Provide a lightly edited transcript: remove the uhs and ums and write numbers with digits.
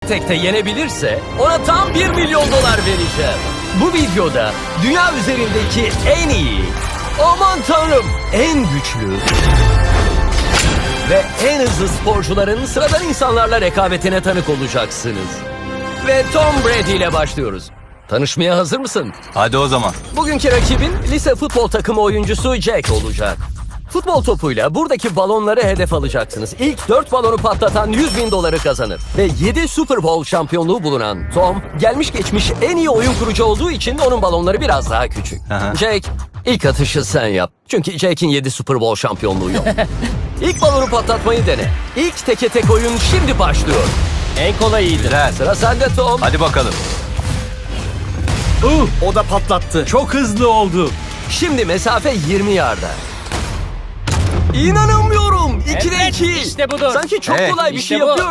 tekte yenebilirse ona tam 1 milyon dolar vereceğim. Bu videoda dünya üzerindeki en iyi, aman tanrım en güçlü ve en hızlı sporcuların sıradan insanlarla rekabetine tanık olacaksınız. Ve Tom Brady ile başlıyoruz. Tanışmaya hazır mısın? Hadi o zaman. Bugünkü rakibin lise futbol takımı oyuncusu Jack olacak. Futbol topuyla buradaki balonları hedef alacaksınız. İlk 4 balonu patlatan 100 bin doları kazanır. Ve 7 Super Bowl şampiyonluğu bulunan Tom, gelmiş geçmiş en iyi oyun kurucu olduğu için onun balonları biraz daha küçük. Aha. Jack, ilk atışı sen yap. Çünkü Jack'in 7 Super Bowl şampiyonluğu yok. İlk balonu patlatmayı dene. İlk teke tek oyun şimdi başlıyor. En kolayıydı. Güzel. Sıra sende Tom. Hadi bakalım. O da patlattı. Çok hızlı oldu. Şimdi mesafe 20 yarda. İnanamıyorum. 2'de Evet, 2. işte budur. Sanki çok Evet, kolay bir işte şey bu. yapıyor